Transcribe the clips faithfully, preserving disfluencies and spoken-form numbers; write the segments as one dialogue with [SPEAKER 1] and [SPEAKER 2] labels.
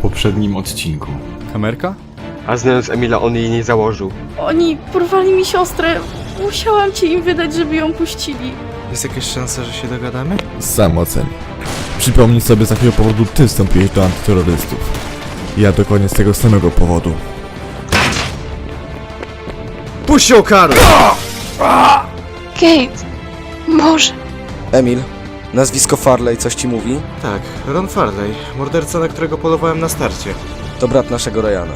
[SPEAKER 1] poprzednim odcinku.
[SPEAKER 2] Kamerka?
[SPEAKER 3] A znając Emila, on jej nie założył.
[SPEAKER 4] Oni porwali mi siostrę. Musiałam ci im wydać, żeby ją puścili.
[SPEAKER 2] Jest jakaś szansa, że się dogadamy?
[SPEAKER 5] Sam oceń. Przypomnij sobie, z jakiego powodu ty wstąpiłeś do antyterrorystów. Ja dokładnie z tego samego powodu.
[SPEAKER 2] Puść ją, Karol!
[SPEAKER 6] Kate, Boże.
[SPEAKER 7] Emil, nazwisko Farley coś ci mówi?
[SPEAKER 2] Tak, Ron Farley, morderca, na którego polowałem na starcie.
[SPEAKER 7] To brat naszego Ryana.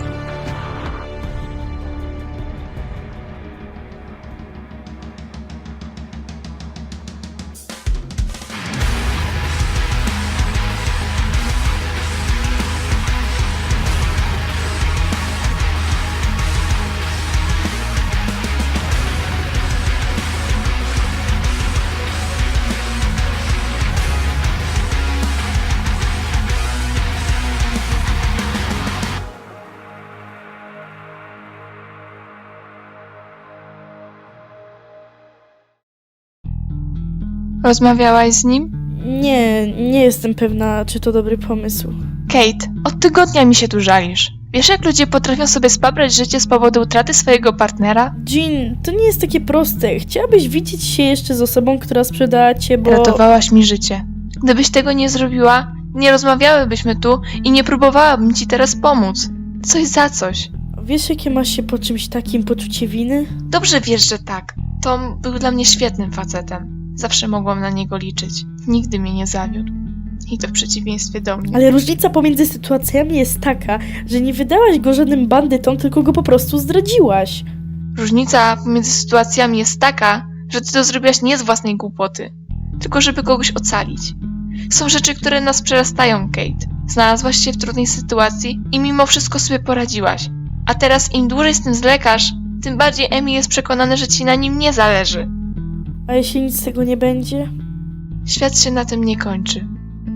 [SPEAKER 6] Rozmawiałaś z nim?
[SPEAKER 4] Nie, nie jestem pewna, czy to dobry pomysł.
[SPEAKER 6] Kate, od tygodnia mi się tu żalisz. Wiesz, jak ludzie potrafią sobie spabrać życie z powodu utraty swojego partnera?
[SPEAKER 4] Jean, to nie jest takie proste. Chciałabyś widzieć się jeszcze z osobą, która sprzedała cię, bo...
[SPEAKER 6] Ratowałaś mi życie. Gdybyś tego nie zrobiła, nie rozmawiałybyśmy tu i nie próbowałabym ci teraz pomóc. Coś za coś.
[SPEAKER 4] Wiesz, jakie masz się po czymś takim poczucie winy?
[SPEAKER 6] Dobrze wiesz, że tak. Tom był dla mnie świetnym facetem. Zawsze mogłam na niego liczyć. Nigdy mnie nie zawiódł. I to w przeciwieństwie do mnie.
[SPEAKER 4] Ale różnica pomiędzy sytuacjami jest taka, że nie wydałaś go żadnym bandytom, tylko go po prostu zdradziłaś.
[SPEAKER 6] Różnica pomiędzy sytuacjami jest taka, że ty to zrobiłaś nie z własnej głupoty, tylko żeby kogoś ocalić. Są rzeczy, które nas przerastają, Kate. Znalazłaś się w trudnej sytuacji i mimo wszystko sobie poradziłaś. A teraz im dłużej z tym zwlekasz, tym bardziej Emil jest przekonany, że ci na nim nie zależy.
[SPEAKER 4] A jeśli nic z tego nie będzie?
[SPEAKER 6] Świat się na tym nie kończy.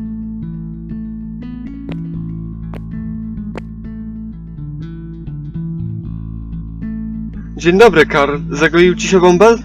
[SPEAKER 3] Dzień dobry, Karl. Zagoił ci się bąbel?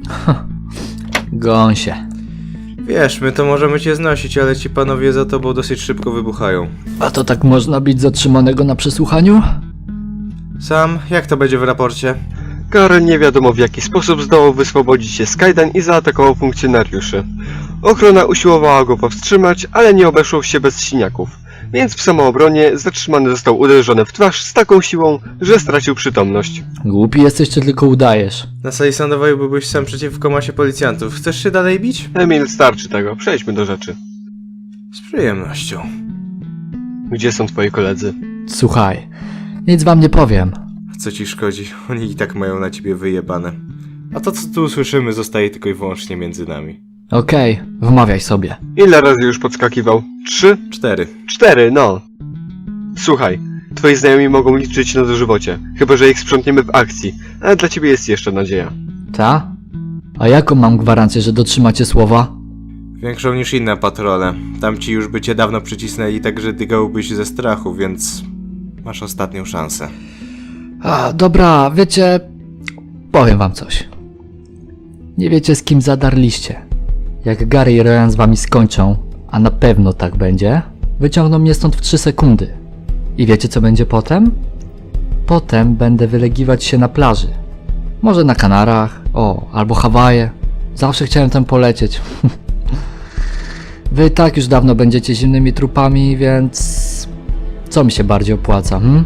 [SPEAKER 8] Gąsie.
[SPEAKER 2] Wiesz, my to możemy cię znosić, ale ci panowie za tobą dosyć szybko wybuchają.
[SPEAKER 8] A to tak można być zatrzymanego na przesłuchaniu?
[SPEAKER 2] Sam, jak to będzie w raporcie?
[SPEAKER 3] Karl nie wiadomo w jaki sposób zdołał wyswobodzić się z kajdan i zaatakował funkcjonariuszy. Ochrona usiłowała go powstrzymać, ale nie obeszło się bez siniaków. Więc w samoobronie zatrzymany został uderzony w twarz z taką siłą, że stracił przytomność.
[SPEAKER 8] Głupi jesteś, czy tylko udajesz?
[SPEAKER 2] Na sali sądowej byłbyś sam przeciwko masie policjantów. Chcesz się dalej bić?
[SPEAKER 3] Emil, starczy tego. Przejdźmy do rzeczy.
[SPEAKER 2] Z przyjemnością.
[SPEAKER 3] Gdzie są twoi koledzy?
[SPEAKER 8] Słuchaj, nic wam nie powiem.
[SPEAKER 2] Co ci szkodzi? Oni i tak mają na ciebie wyjebane. A to, co tu usłyszymy, zostaje tylko i wyłącznie między nami.
[SPEAKER 8] Okej, wmawiaj sobie.
[SPEAKER 3] Ile razy już podskakiwał? Trzy?
[SPEAKER 2] Cztery.
[SPEAKER 3] Cztery, no. Słuchaj, twoi znajomi mogą liczyć na dożywocie, chyba że ich sprzątniemy w akcji, ale dla ciebie jest jeszcze nadzieja.
[SPEAKER 8] Ta? A jaką mam gwarancję, że dotrzymacie słowa?
[SPEAKER 2] Większą niż inne patrole. Tamci już by cię dawno przycisnęli, tak że dygałbyś ze strachu, więc masz ostatnią szansę.
[SPEAKER 8] A, dobra, wiecie... Powiem wam coś. Nie wiecie, z kim zadarliście. Jak Gary i Ryan z wami skończą, a na pewno tak będzie, wyciągną mnie stąd w trzy sekundy. I wiecie, co będzie potem? Potem będę wylegiwać się na plaży. Może na Kanarach, o, albo Hawaje. Zawsze chciałem tam polecieć. Wy i tak już dawno będziecie zimnymi trupami, więc... Co mi się bardziej opłaca, hm?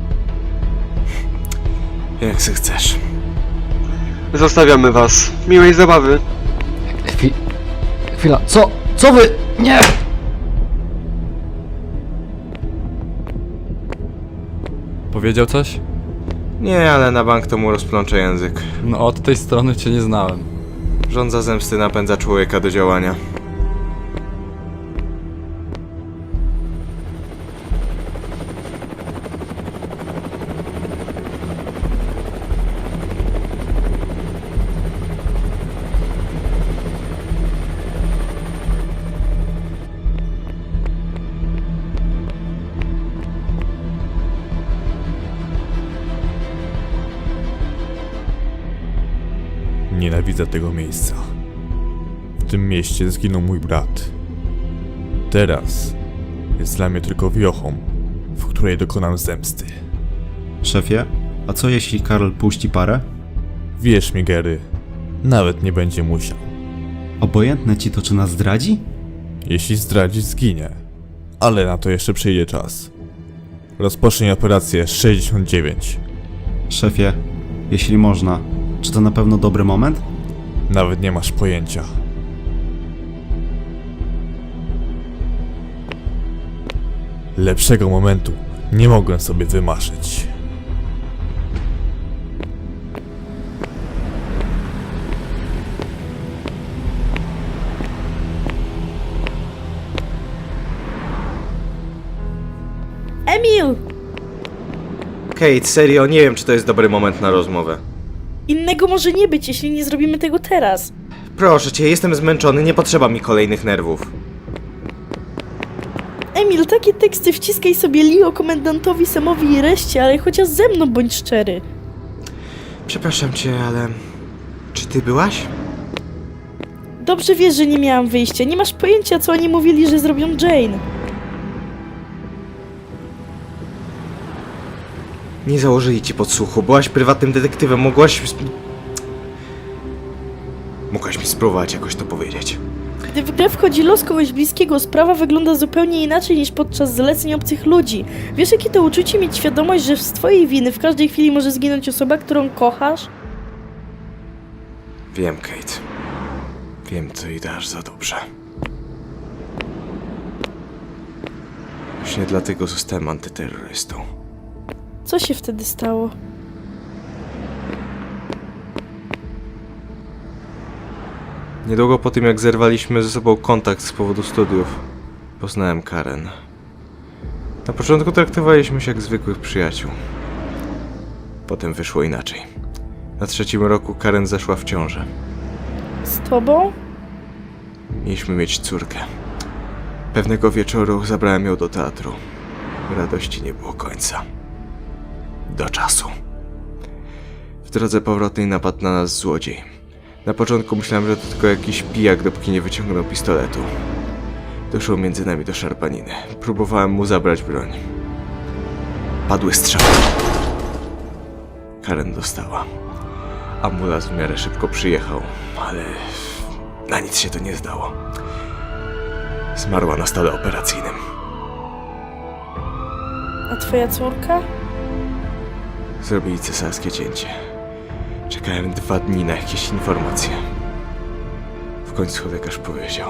[SPEAKER 2] Jak se chcesz.
[SPEAKER 3] Zostawiamy was. Miłej zabawy.
[SPEAKER 8] Chwi... Chwila, co? Co wy? Nie!
[SPEAKER 1] Powiedział coś?
[SPEAKER 2] Nie, ale na bank to mu rozplącze język.
[SPEAKER 1] No od tej strony cię nie znałem.
[SPEAKER 2] Żądza zemsty napędza człowieka do działania.
[SPEAKER 5] Nienawidzę tego miejsca. W tym mieście zginął mój brat. Teraz jest dla mnie tylko wiochą, w której dokonam zemsty.
[SPEAKER 9] Szefie, a co jeśli Karl puści parę?
[SPEAKER 5] Wierz mi, Gary, nawet nie będzie musiał.
[SPEAKER 9] Obojętne ci to, czy nas zdradzi?
[SPEAKER 5] Jeśli zdradzi, zginie. Ale na to jeszcze przyjdzie czas. Rozpocznij operację sześćdziesiąt dziewięć.
[SPEAKER 9] Szefie, jeśli można, czy to na pewno dobry moment?
[SPEAKER 5] Nawet nie masz pojęcia. Lepszego momentu nie mogłem sobie wymarzyć.
[SPEAKER 4] Emil!
[SPEAKER 2] Kate, serio, nie wiem, czy to jest dobry moment na rozmowę.
[SPEAKER 4] Innego może nie być, jeśli nie zrobimy tego teraz.
[SPEAKER 2] Proszę cię, jestem zmęczony, nie potrzeba mi kolejnych nerwów.
[SPEAKER 4] Emil, takie teksty wciskaj sobie Leo, komendantowi, Samowi i reszcie, ale chociaż ze mną bądź szczery.
[SPEAKER 2] Przepraszam cię, ale... Czy ty byłaś?
[SPEAKER 4] Dobrze wiesz, że nie miałam wyjścia. Nie masz pojęcia, co oni mówili, że zrobią Jane.
[SPEAKER 2] Nie założyli ci podsłuchu, byłaś prywatnym detektywem, mogłaś... Mogłaś mi spróbować jakoś to powiedzieć.
[SPEAKER 4] Gdy w grę wchodzi los kogoś bliskiego, sprawa wygląda zupełnie inaczej niż podczas zleceń obcych ludzi. Wiesz, jakie to uczucie mieć świadomość, że z twojej winy w każdej chwili może zginąć osoba, którą kochasz?
[SPEAKER 2] Wiem, Kate. Wiem, co i dasz za dobrze. Właśnie dlatego zostałem antyterrorystą.
[SPEAKER 4] Co się wtedy stało?
[SPEAKER 2] Niedługo po tym, jak zerwaliśmy ze sobą kontakt z powodu studiów, poznałem Karen. Na początku traktowaliśmy się jak zwykłych przyjaciół. Potem wyszło inaczej. Na trzecim roku Karen zaszła w ciążę.
[SPEAKER 4] Z tobą?
[SPEAKER 2] Mieliśmy mieć córkę. Pewnego wieczoru zabrałem ją do teatru. Radości nie było końca. Do czasu. W drodze powrotnej napadł na nas złodziej. Na początku myślałem, że to tylko jakiś pijak, dopóki nie wyciągnął pistoletu. Doszło między nami do szarpaniny. Próbowałem mu zabrać broń. Padły strzały. Karen dostała. Ambulans w miarę szybko przyjechał, ale na nic się to nie zdało. Zmarła na stole operacyjnym.
[SPEAKER 4] A twoja córka?
[SPEAKER 2] Zrobili cesarskie cięcie. Czekałem dwa dni na jakieś informacje. W końcu lekarz powiedział,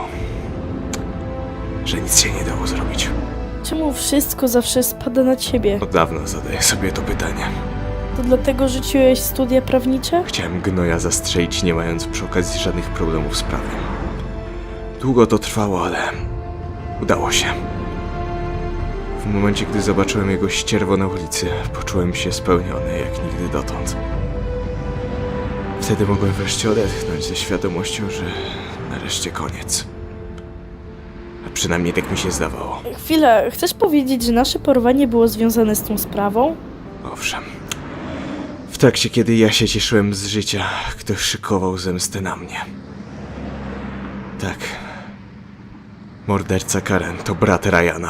[SPEAKER 2] że nic się nie dało zrobić.
[SPEAKER 4] Czemu wszystko zawsze spada na ciebie?
[SPEAKER 2] Od dawna zadaję sobie to pytanie.
[SPEAKER 4] To dlatego rzuciłeś studia prawnicze?
[SPEAKER 2] Chciałem gnoja zastrzelić, nie mając przy okazji żadnych problemów z prawem. Długo to trwało, ale udało się. W momencie, gdy zobaczyłem jego ścierwo na ulicy, poczułem się spełniony jak nigdy dotąd. Wtedy mogłem wreszcie odetchnąć ze świadomością, że nareszcie koniec. A przynajmniej tak mi się zdawało.
[SPEAKER 4] Chwila, chcesz powiedzieć, że nasze porwanie było związane z tą sprawą?
[SPEAKER 2] Owszem. W trakcie, kiedy ja się cieszyłem z życia, ktoś szykował zemstę na mnie. Tak. Morderca Karen to brat Ryana.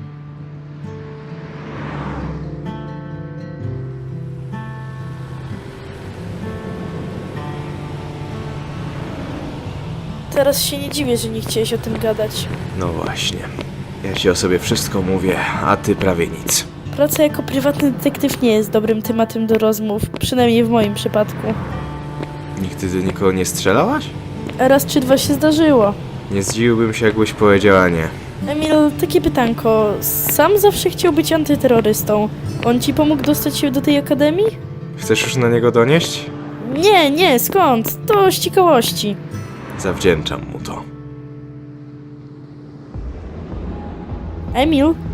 [SPEAKER 4] Teraz się nie dziwię, że nie chciałeś o tym gadać.
[SPEAKER 2] No właśnie. Ja ci o sobie wszystko mówię, a ty prawie nic.
[SPEAKER 4] Praca jako prywatny detektyw nie jest dobrym tematem do rozmów, przynajmniej w moim przypadku.
[SPEAKER 2] Nigdy do nikogo nie strzelałaś?
[SPEAKER 4] A raz czy dwa się zdarzyło.
[SPEAKER 2] Nie zdziwiłbym się, jakbyś powiedziała nie.
[SPEAKER 4] Emil, takie pytanko. Sam zawsze chciał być antyterrorystą. On ci pomógł dostać się do tej akademii?
[SPEAKER 2] Chcesz już na niego donieść?
[SPEAKER 4] Nie, nie, skąd? To z ciekawości.
[SPEAKER 2] Zawdzięczam mu to.
[SPEAKER 4] Emil?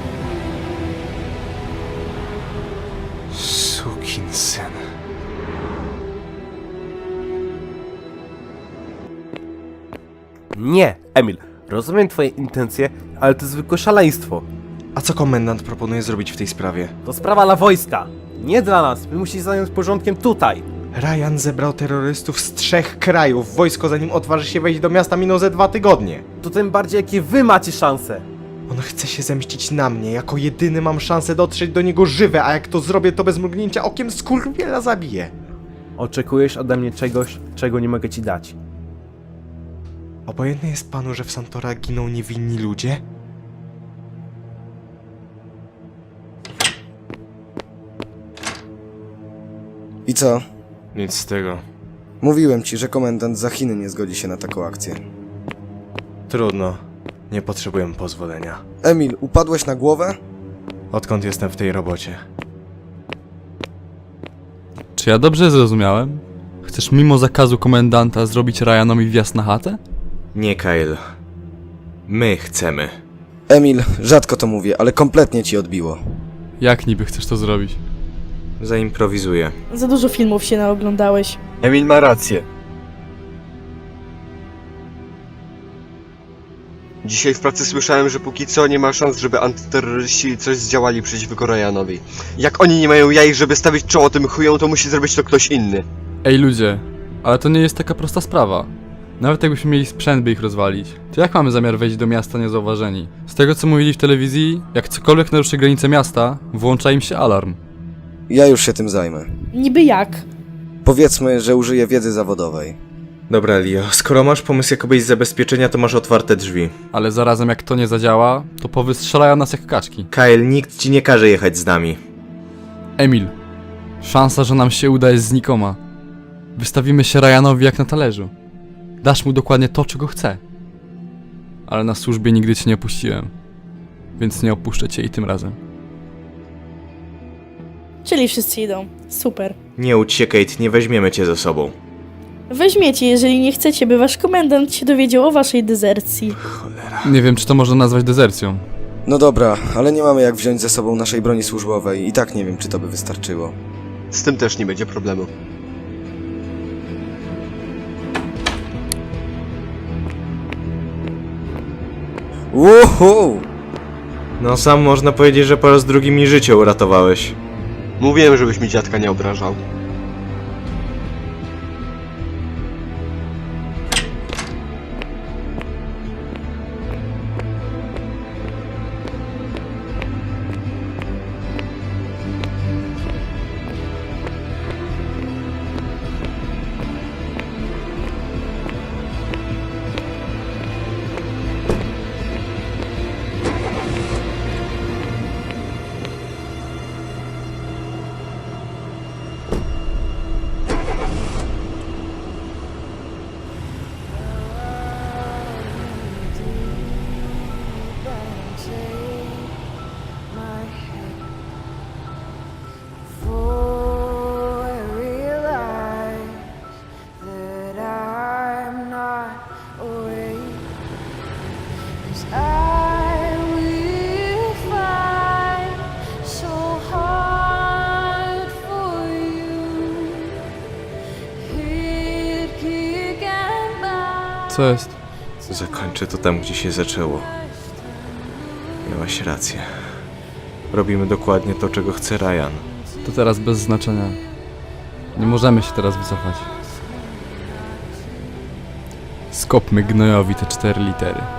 [SPEAKER 2] Sukinsyn.
[SPEAKER 10] Nie, Emil, rozumiem twoje intencje, ale to zwykłe szaleństwo.
[SPEAKER 2] A co komendant proponuje zrobić w tej sprawie?
[SPEAKER 10] To sprawa dla wojska, nie dla nas. My musimy zająć porządkiem tutaj.
[SPEAKER 2] Ryan zebrał terrorystów z trzech krajów. Wojsko, zanim odważy się wejść do miasta, minął ze dwa tygodnie.
[SPEAKER 10] To tym bardziej, jakie wy macie szanse.
[SPEAKER 2] On chce się zemścić na mnie. Jako jedyny mam szansę dotrzeć do niego żywy, a jak to zrobię, to bez mrugnięcia okiem skurwiela zabiję.
[SPEAKER 10] Oczekujesz ode mnie czegoś, czego nie mogę ci dać.
[SPEAKER 2] Obojętne jest panu, że w Santora giną niewinni ludzie?
[SPEAKER 7] I co?
[SPEAKER 2] Nic z tego.
[SPEAKER 7] Mówiłem ci, że komendant za Chiny nie zgodzi się na taką akcję.
[SPEAKER 2] Trudno. Nie potrzebuję pozwolenia.
[SPEAKER 7] Emil, upadłeś na głowę?
[SPEAKER 2] Odkąd jestem w tej robocie?
[SPEAKER 1] Czy ja dobrze zrozumiałem? Chcesz mimo zakazu komendanta zrobić Ryanowi wjazd na chatę?
[SPEAKER 2] Nie, Kyle. My chcemy.
[SPEAKER 7] Emil, rzadko to mówię, ale kompletnie ci odbiło.
[SPEAKER 1] Jak niby chcesz to zrobić?
[SPEAKER 2] Zaimprowizuję.
[SPEAKER 4] Za dużo filmów się naoglądałeś.
[SPEAKER 3] Emil ma rację. Dzisiaj w pracy słyszałem, że póki co nie ma szans, żeby antyterroryści coś zdziałali przeciwko Ryanowi. Jak oni nie mają jaj, żeby stawić czoło tym chujom, to musi zrobić to ktoś inny.
[SPEAKER 1] Ej ludzie, ale to nie jest taka prosta sprawa. Nawet jakbyśmy mieli sprzęt, by ich rozwalić, to jak mamy zamiar wejść do miasta niezauważeni? Z tego co mówili w telewizji, jak cokolwiek naruszy granice miasta, włącza im się alarm.
[SPEAKER 7] Ja już się tym zajmę.
[SPEAKER 4] Niby jak?
[SPEAKER 7] Powiedzmy, że użyję wiedzy zawodowej.
[SPEAKER 2] Dobra, Leo. Skoro masz pomysł jakobyś zabezpieczenia, to masz otwarte drzwi.
[SPEAKER 1] Ale zarazem jak to nie zadziała, to powystrzelają nas jak kaczki.
[SPEAKER 2] Kyle, nikt ci nie każe jechać z nami.
[SPEAKER 1] Emil, szansa, że nam się uda jest znikoma. Wystawimy się Ryanowi jak na talerzu. Dasz mu dokładnie to, czego chce. Ale na służbie nigdy cię nie opuściłem. Więc nie opuszczę cię i tym razem.
[SPEAKER 4] Czyli wszyscy idą. Super.
[SPEAKER 2] Nie łudź się, Kate, nie weźmiemy cię ze sobą.
[SPEAKER 4] Weźmiecie, jeżeli nie chcecie, by wasz komendant się dowiedział o waszej dezercji.
[SPEAKER 1] Nie wiem, czy to można nazwać dezercją.
[SPEAKER 7] No dobra, ale nie mamy jak wziąć ze sobą naszej broni służbowej i tak nie wiem, czy to by wystarczyło.
[SPEAKER 3] Z tym też nie będzie problemu.
[SPEAKER 7] Uhu!
[SPEAKER 2] No sam można powiedzieć, że po raz drugi mi życie uratowałeś.
[SPEAKER 3] Mówiłem, żebyś mi dziadka nie obrażał.
[SPEAKER 1] Co jest?
[SPEAKER 2] Zakończę to tam, gdzie się zaczęło. Miałaś rację. Robimy dokładnie to, czego chce Ryan.
[SPEAKER 1] To teraz bez znaczenia. Nie możemy się teraz wycofać. Skopmy gnojowi te cztery litery.